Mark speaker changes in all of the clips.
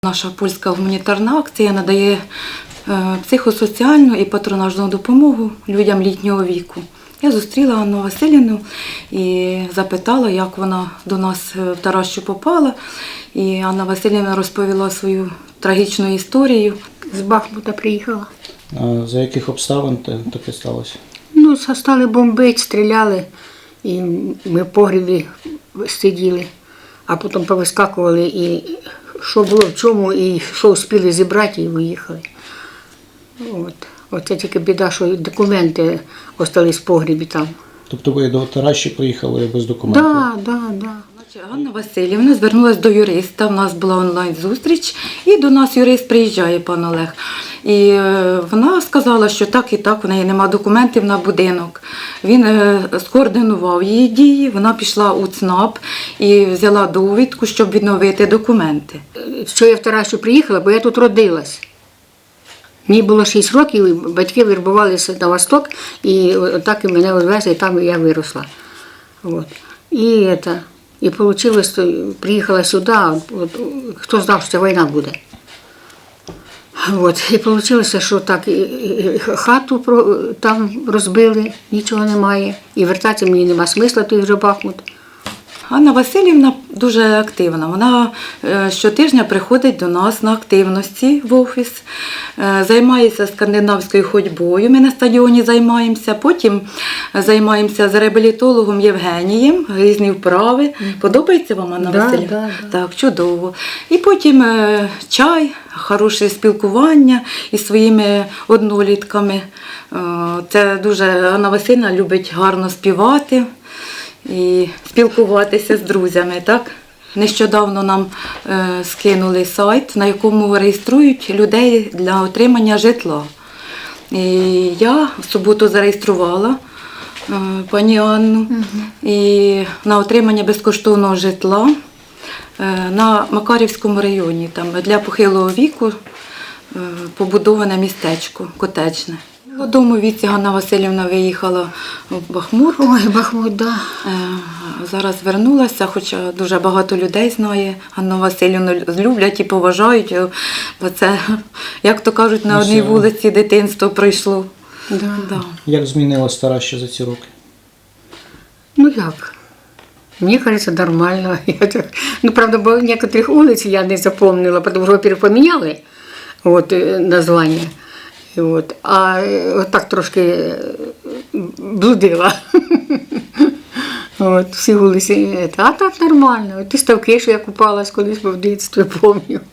Speaker 1: Наша польська гуманітарна акція надає психосоціальну і патронажну допомогу людям літнього віку. Я зустріла Анну Василівну і запитала, як вона до нас в Таращу попала. І Анна Василівна розповіла свою трагічну історію.
Speaker 2: З Бахмута приїхала.
Speaker 3: А за яких обставин таке сталося?
Speaker 2: Стали бомбити, стріляли, і ми в погрібі сиділи, а потім повискакували, і що було в чому, і що встигли зібрати, і виїхали. Оце тільки біда, що документи залишились в погрібі там.
Speaker 3: Тобто ви до Таращі приїхали без документів?
Speaker 2: Так.
Speaker 1: Анна Василівна звернулася до юриста, у нас була онлайн-зустріч, і до нас юрист приїжджає, пан Олег. І вона сказала, що так і так, в неї немає документів на будинок. Він скоординував її дії, вона пішла у ЦНАП і взяла довідку, щоб відновити документи.
Speaker 2: Що я в Таращу приїхала, бо я тут родилась. Мені було 6 років, і батьки вирбувалися на восток, і так і мене відвезли, і там я виросла. І вийшло, приїхала сюди, хто знав, що війна буде. І вийшло, що так, хату там розбили, нічого немає, і вертатися мені нема смисла, той вже Бахмут.
Speaker 1: Анна Василівна дуже активна. Вона щотижня приходить до нас на активності в офіс, займається скандинавською ходьбою, ми на стадіоні займаємося, потім займаємося з реабілітологом Євгенієм, різні вправи. Подобається вам, Анна Василівна? Так, чудово. І потім чай, хороше спілкування із своїми однолітками. Це дуже Анна Василівна любить гарно співати і спілкуватися з друзями, так? Нещодавно нам скинули сайт, на якому реєструють людей для отримання житла. І я в суботу зареєструвала пані Анну і на отримання безкоштовного житла на Макарівському районі. Там для похилого віку побудоване містечко, котеджне. В молодому віці Анна Василівна виїхала в Бахмут.
Speaker 2: Ой, Бахмут, так.
Speaker 1: Зараз вернулася, хоча дуже багато людей знає Анну Василівну, люблять і поважають, бо це, як то кажуть, на одній вулиці дитинство пройшло.
Speaker 2: Да.
Speaker 3: Як змінилась Тараща за ці роки?
Speaker 2: Як? Мені кажеться, нормально. Правда, бо некоторих вулиць я не запомнила, тому що, во-первых, поміняли названня. А так трошки блудила. Всі вулиці. А так нормально. Ті ставки, що я купалась колись в дитинстві, пам'ятаю.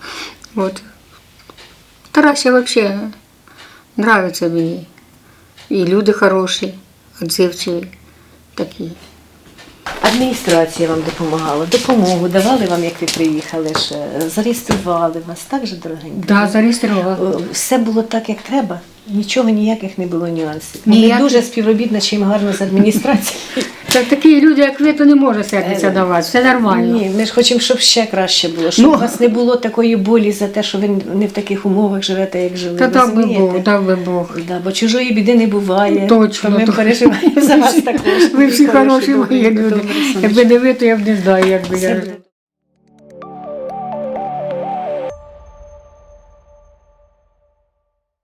Speaker 2: Тараща взагалі подобається мені. І люди хороші, відзивчиві такі.
Speaker 4: Адміністрація вам допомагала, допомогу давали вам, як ви приїхали, зареєстрували вас, так же, дорогенька?
Speaker 2: Так, зареєстрували.
Speaker 4: Все було так, як треба, нічого, ніяких не було нюансів. Ми дуже співробітничаємо гарно з адміністрацією.
Speaker 2: Такі люди, як ви, то не може сердитися до вас, все нормально.
Speaker 4: Ні, ми ж хочемо, щоб ще краще було, щоб у вас не було такої болі за те, що ви не в таких умовах живете, як жили.
Speaker 2: Так би Бог.
Speaker 4: Бо чужої біди не буває.
Speaker 2: Точно.
Speaker 4: Ми переживаємо за вас також.
Speaker 2: Ви всі хороші мої люди. Якби не ви, то я б не знаю, як би я жила.